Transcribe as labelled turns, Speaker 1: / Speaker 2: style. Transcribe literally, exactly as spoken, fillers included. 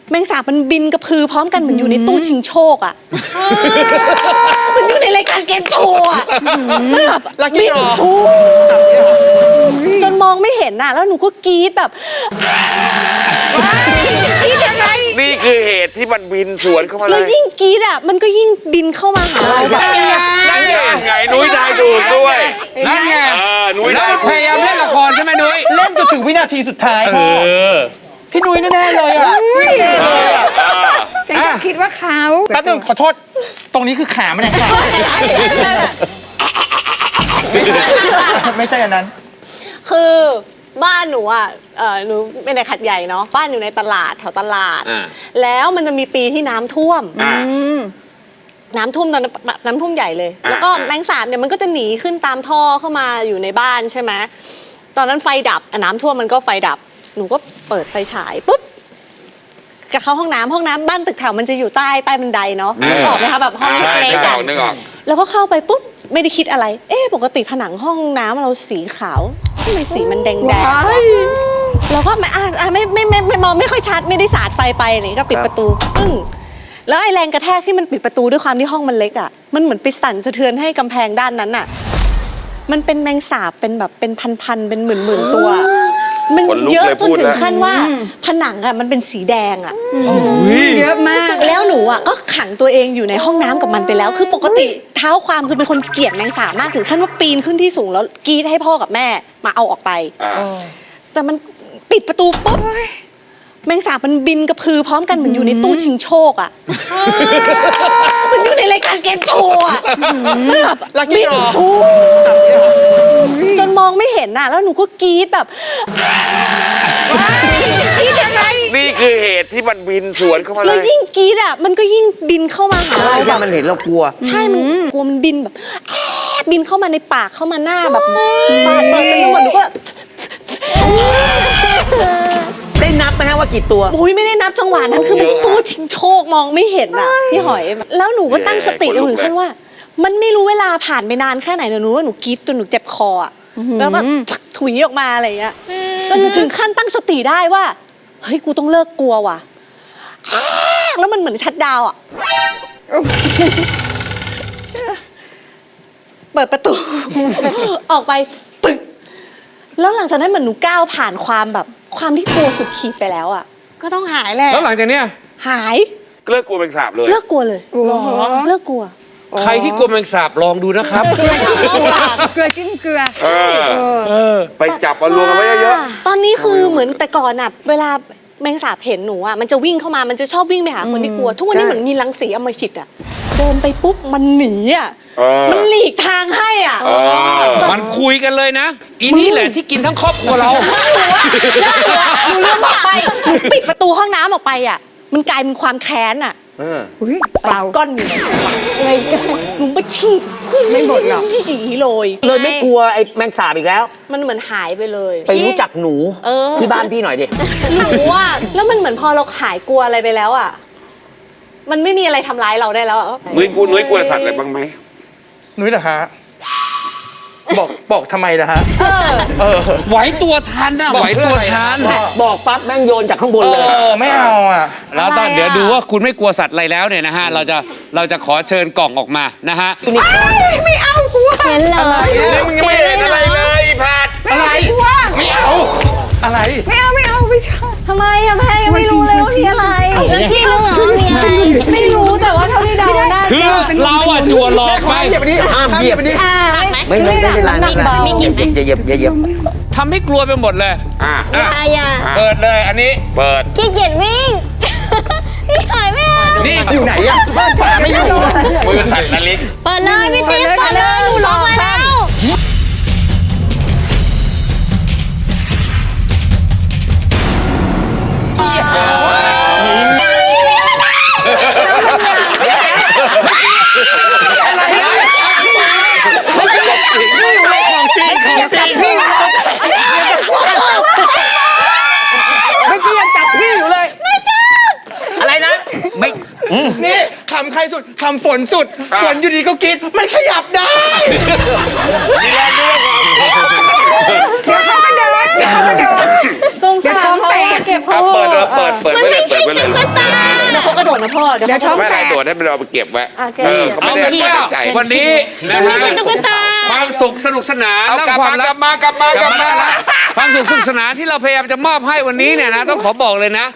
Speaker 1: แมงสาบมันบินกระพือพร้อมกันเหมือนอยู่ในตู้ชิงโชคอ่ะมันอยู่ในรายการเกมโชว์อ่ะมันแบบบินฟูจนมองไม่เห็นน่ะแล้วหนูก็กรี๊ดแบบกรี๊ดยังไง
Speaker 2: นี่คือเหตุที่มันบินสวนเข้ามาเลย
Speaker 1: แล้วยิ่งกรี๊ดอ่ะมันก็ยิ่งบินเข้ามาหาเราแบบ
Speaker 2: นั่นไงไงนุ้ยทายถูกด้วย
Speaker 3: นั่นไง
Speaker 2: นุ้ย
Speaker 3: ทายพยายามเล่นละครใช่ไหมนุ้ย
Speaker 4: เล่นจนถึงวินาทีสุดท้าย
Speaker 3: เออ
Speaker 4: พี่นุ้ยแน่ๆเลยอ่ะแน่เลยอ่ะ
Speaker 5: ฉันก็คิดว่าเขา
Speaker 4: แป๊บนึงขอโทษตรงนี้คือขามันเองค่ะไม่ใช่อันนั้น
Speaker 1: คือบ้านหนูอ่ะเออหนูเป็นในขัดใหญ่เนาะบ้านอยู่ในตลาดแถวตลาดแล้วมันจะมีปีที่น้ำท่วมน้ำท่วมตอนน้ำท่วมใหญ่เลยแล้วก็แมงสาบเนี่ยมันก็จะหนีขึ้นตามท่อเข้ามาอยู่ในบ้านใช่ไหมตอนนั้นไฟดับน้ำท่วมมันก็ไฟดับหนูก็เปิดไฟฉายปุ๊บจะเข้าห้องน้ำห้องน้ำบ้านตึกแถวมันจะอยู่ใต้ใต้บันไดเนาะนึกออกไหมคะแบบห้องเล็กๆกันแล้วก็เข้าไปปุ๊บไม่ได้คิดอะไรเอ๊ะปกติผนังห้องน้ำเราสีขาวทำไมสีมันแดงแดงเราก็ไม่อ่าไม่ไม่ไม่ไม่มองไม่ค่อยชัดไม่ได้สาดไฟไปนี่ก็ปิดประตูปึ้งแล้วไอ้แรงกระแทกที่มันปิดประตูด้วยความที่ห้องมันเล็กอ่ะมันเหมือนไปสั่นสะเทือนให้กำแพงด้านนั้นอ่ะมันเป็นแมงสาบเป็นแบบเป็นพันๆเป็นหมื่นๆตัวมันเยอะจนถึงขั้นว่าผนังอะมันเป็นสีแดงอะ
Speaker 5: เยอะมาก
Speaker 1: แล้วหนูอะก็ขังตัวเองอยู่ในห้องน้ำกับมันไปแล้วคือปกติเท้าความคือเป็นคนเกลียดแมงสาบมากถึงขั้นว่าปีนขึ้นที่สูงแล้วกรีดให้พ่อกับแม่มาเอาออกไปแต่มันปิดประตูปุ๊บแมงสาบมันบินกระพือพร้อมกันเหมือนอยู่ในตู้ชิงโชคอะมันอยู่ในรายการเกมโชว์อะมันแบบบินฟูจนมองไม่เห็นน่ะแล้วหนูก็กรี๊ดแบบกรี๊ดยังไง
Speaker 2: นี่คือเหตุที่มันบินสวนเข้ามาเลย
Speaker 1: แล้วยิ่งกรี๊ดอ่ะมันก็ยิ่งบินเข้ามาหาเราแบบ
Speaker 4: มันเห็นเรากลัว
Speaker 1: ใช่มันกลัวมันบินแบบบินเข้ามาในปากเข้ามาหน้าแบบปากเปิดไปหมดหนูก็
Speaker 4: ได้นับไหมฮะว่ากี่ตัว
Speaker 1: โอ้ยไม่ได้นับจังหวะนั้นคือมันตู้ชิงโชคมองไม่เห็นอ่ะพี่หอยแล้วหนูก็ตั้งสติถึงขั้นว่ามันไม่รู้เวลาผ่านไปนานแค่ไหนหนูว่าหนูกรี๊ดจนหนูเจ็บคออ่ะแล้วแบบถุยออกมาอะไรอย่างเงี้ยจนหนูถึงขั้นตั้งสติได้ว่าเฮ้ยกูต้องเลิกกลัวว่ะแล้วมันเหมือนชัดดาวอ่ะเปิดประตูออกไปปึกแล้วหลังจากนั้นเหมือนหนูก้าวผ่านความแบบความที่กลัวสุดขีดไปแล้วอ่ะ
Speaker 5: ก็ต้องหายแหละ
Speaker 3: แล้วหลังจากเนี้ย
Speaker 1: หาย
Speaker 2: เลิกกลัวแมงสาบเลย
Speaker 1: เลิกกลัวเลยเลิกกลัว
Speaker 3: ใครที่กลัวแมงสาบลองดูนะครับ
Speaker 5: เกลือเกลือจิ้มเกลือ
Speaker 2: ไปจับมารวมกันไว้เยอะ
Speaker 1: ตอนนี้คือเหมือนแต่ก่อนอ่ะเวลาแมงสาบเห็นหนูอ่ะมันจะวิ่งเข้ามามันจะชอบวิ่งไปหาคนที่กลัวทุกวันนี้เหมือนมีรังสีอำมหิตอ่ะเดินไปปุ๊บมันหนีอ่ะมันหลีกทางให้อ่ะ
Speaker 3: มันคุยกันเลยนะอีนี่แหละที่กินทั้งครอบครัวเรา
Speaker 1: หนูเลื่อนออกไปหนูปิดประตูห้องน้ำออกไปอ่ะมันกลายเป็นความแค้นอ่ะ
Speaker 5: เปล่า
Speaker 1: ก้อนอยู่
Speaker 5: ไม่ก้อน
Speaker 1: หนูไปฉีด
Speaker 5: ไม่หมดหรอก
Speaker 1: ฉีดเลย
Speaker 4: เลยไม่กลัวไอ้แมงสาบอีกแล้ว
Speaker 1: มันเหมือนหายไปเลย
Speaker 4: ไปรู้จักหนูที่บ้านพี่หน่อยดิ
Speaker 1: หนูว่าแล้วมันเหมือนพอเราหายกลัวอะไรไปแล้วอ่ะมันไม่มีอะไรทำร้ายเราได้แล้วอ่ะ
Speaker 2: นุ้ยกลัวนุ้ยกลัวสัตว์อะไรบ้างไหม
Speaker 4: นุ้ยเหรอฮะบอกบอกทำไมนะฮะ
Speaker 3: ไหวตัวทันนะไหวตัวทัน
Speaker 4: บอกปั๊บแม่งโยนจากข้างบนเลยไม่เอาอ่ะ
Speaker 3: แล้วตอนเดี๋ยวดูว่าคุณไม่กลัวสัตว์อะไรแล้วเนี่ยนะฮะเราจะเราจะขอเชิญกล่องออกมานะฮะ
Speaker 5: ไม่เอากลัว
Speaker 4: เห็นเลยมึงยังไม่เห็นอะไรเลยผัดอะไรไม่เอาอะไร
Speaker 5: ไม่เอาไม่เอาไม่ชอบ
Speaker 1: ทำไมอะแม่ยังไม่รู้เลยว่ามีอะไร
Speaker 5: แล้วพี่รู้เหรอมีอะไร
Speaker 1: ไม่รู้แต่ว่าเท่าที่เดาได้
Speaker 3: คือเราอะจัวหลอกไป
Speaker 4: เหยียบนี้ห้ามเหยียบนี้ไม่ไม่ไม่ได้ร้าน
Speaker 1: มี
Speaker 4: เหยียบเหยียบเหยียบเหยียบ
Speaker 3: ทำให้กลัวไปหมดเลย
Speaker 2: อ่ะ
Speaker 5: อย่าอย่า
Speaker 3: เปิดเลยอันนี้
Speaker 2: เปิด
Speaker 5: ขี้เกียจวิ่งพี่หายไม่เอา
Speaker 3: นี่
Speaker 4: อยู่ไหนอะฝาไม่อยู่
Speaker 2: มือสั่นนะลิก
Speaker 5: เปิดเลยพี่ติ๊กเปิดเลยหนูลงมาแล้ว
Speaker 4: นี่คำใครสุดคำฝนสุดฝนอยู่ดีก็กินมันขยับได้
Speaker 2: มีแรงด้วย
Speaker 5: เดี๋ยวเขาเดินเดี๋ยวเขาเดิน
Speaker 1: สงสารเขาเก็บเขา
Speaker 2: เปิดเปิดเปิดไปเลยเปิดไปเลย
Speaker 1: นะพ่อเดี๋ยว
Speaker 5: เดี๋ยวท้อง
Speaker 2: ไม่
Speaker 5: แต
Speaker 2: ได้
Speaker 5: ก
Speaker 2: ตรวจให้มันเอาไปเก็บไว้
Speaker 1: อ่ะเก็บ
Speaker 2: เออเขา
Speaker 3: เอา
Speaker 2: ไม่ได้
Speaker 3: เป็น
Speaker 2: ไม่
Speaker 3: ว่า
Speaker 2: ได้ใจ
Speaker 3: วันนี้นะ
Speaker 1: ไม่
Speaker 3: ฮะ
Speaker 1: ใช่ตุ๊กตา
Speaker 3: ความสุขสนุกสนาน
Speaker 2: เอา
Speaker 3: และ
Speaker 2: กลับ
Speaker 3: ความ
Speaker 2: าม ก
Speaker 3: รั
Speaker 2: ลั
Speaker 3: ก
Speaker 2: บมากลับมากลับมา
Speaker 3: ความสุขสนุกสนานที่เราพยายามจะมอบให้วันนี้เนี่ยนะต้องขอบอกเลยนะ